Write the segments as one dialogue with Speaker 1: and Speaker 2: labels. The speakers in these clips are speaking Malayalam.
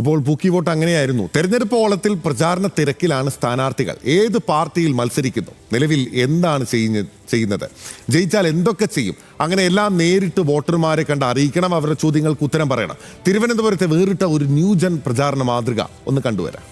Speaker 1: അപ്പോൾ ബുക്കി വോട്ട് അങ്ങനെയായിരുന്നു. തെരഞ്ഞെടുപ്പ് ഓളത്തിൽ പ്രചാരണ തിരക്കിലാണ് സ്ഥാനാർത്ഥികൾ. ഏത് പാർട്ടിയിൽ മത്സരിക്കുന്നു, നിലവിൽ എന്താണ് ചെയ്യുന്നത്, ജയിച്ചാൽ എന്തൊക്കെ ചെയ്യും, അങ്ങനെ എല്ലാം നേരിട്ട് വോട്ടർമാരെ കണ്ട് അറിയിക്കണം. അവരുടെ ചോദ്യങ്ങൾക്ക് ഉത്തരം പറയണം. തിരുവനന്തപുരത്തെ വേറിട്ട ഒരു ന്യൂജൻ പ്രചാരണ മാതൃക ഒന്ന് കണ്ടുവരാം.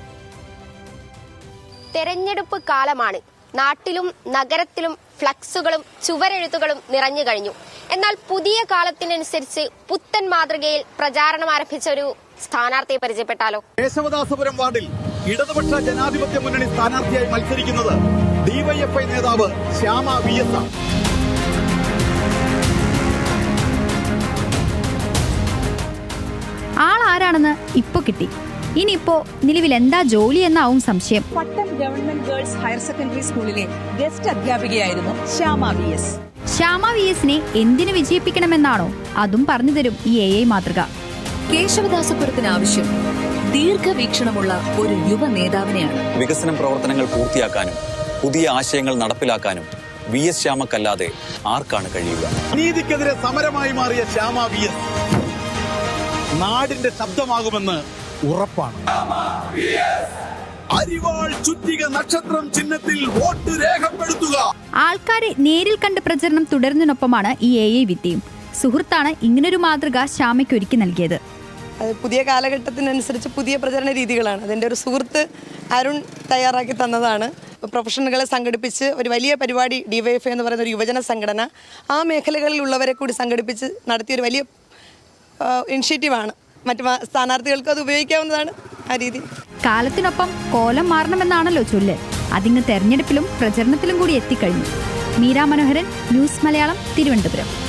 Speaker 2: തെരഞ്ഞെടുപ്പ് കാലമാണ്. നാട്ടിലും നഗരത്തിലും ഫ്ലക്സുകളും ചുവരെഴുത്തുകളും നിറഞ്ഞു കഴിഞ്ഞു. എന്നാൽ പുതിയ കാലത്തിനനുസരിച്ച് പുത്തൻ മാതൃകയിൽ പ്രചാരണം ആരംഭിച്ച ഒരു സ്ഥാനാർത്ഥിയെ പരിചയപ്പെട്ടാലോ?
Speaker 3: കേശവദാസപുരം വാർഡിൽ ഇടതുപക്ഷ ജനാധിപത്യ മുന്നണി സ്ഥാനാർത്ഥിയായി മത്സരിക്കുന്നത് ഡിവൈഎഫ്ഐ നേതാവ് ശ്യാമ VS ആണ്.
Speaker 4: ആളാരാണെന്ന് ഇപ്പൊ കിട്ടി. ഇനിയിപ്പോ നിലവിൽ എന്താ ജോലി എന്നാവും സംശയം.
Speaker 5: Pattom government girls higher secondary സ്കൂളിലെ ഗസ്റ്റ് അധ്യാപികയായിരുന്നു ശ്യാമ VS.
Speaker 4: ശ്യാമ VSനെ എന്തിനു വിജയിപ്പിക്കണമെന്നാണോ അതും പറഞ്ഞു തരും ഈ AI മാതൃക.
Speaker 5: കേശവദാസപുരത്തിന് ആവശ്യം ദീർഘവീക്ഷണമുള്ള ഒരു യുവ നേതാവിനെയാണ്.
Speaker 6: വികസന പ്രവർത്തനങ്ങൾ പൂർത്തിയാക്കാനും പുതിയ ആശയങ്ങൾ നടപ്പിലാക്കാനും VS ശ്യാമക്കല്ലാതെ ആർക്കാണ് കഴിയുക?
Speaker 3: നീതിക്കെതിരെ സമരമായി മാറിയ ശ്യാമ VS നാടിന്റെ ശബ്ദമാകുമെന്ന് ഉറപ്പാണ്. അരിവാൾ ചുറ്റിക നക്ഷത്രം ചിഹ്നത്തിൽ വോട്ട് രേഖപ്പെടുത്തുക.
Speaker 4: ആൾക്കാരെ നേരിൽ കണ്ട് പ്രചരണം തുടരുന്നതിനൊപ്പമാണ് ഈ AI വിദ്യയും. സുഹൃത്താണ് ഇങ്ങനൊരു മാതൃക ശ്യാമയ്ക്ക് ഒരുക്കി നൽകിയത്.
Speaker 7: പുതിയ കാലഘട്ടത്തിനനുസരിച്ച് പുതിയ പ്രചരണ രീതികളാണ്. അതിൻ്റെ ഒരു സുഹൃത്ത് അരുൺ തയ്യാറാക്കി തന്നതാണ്. പ്രൊഫഷണലുകളെ സംഘടിപ്പിച്ച് ഒരു വലിയ പരിപാടി ഡിവൈഎഫ്ഐ എന്ന് പറയുന്ന ഒരു യുവജന സംഘടന ആ മേഖലകളിലുള്ളവരെ കൂടി സംഘടിപ്പിച്ച് നടത്തിയൊരു വലിയ ഇനിഷ്യേറ്റീവാണ്. മറ്റു സ്ഥാനാർത്ഥികൾക്കും അത് ഉപയോഗിക്കാവുന്നതാണ് ആ രീതി.
Speaker 4: കാലത്തിനൊപ്പം കോലം മാറണമെന്നാണല്ലോ ചൊല്ല്. അതിങ്ങ് തെരഞ്ഞെടുപ്പിലും പ്രചരണത്തിലും കൂടി എത്തിക്കഴിഞ്ഞു. മീര മനോഹരൻ, ന്യൂസ് മലയാളം, തിരുവനന്തപുരം.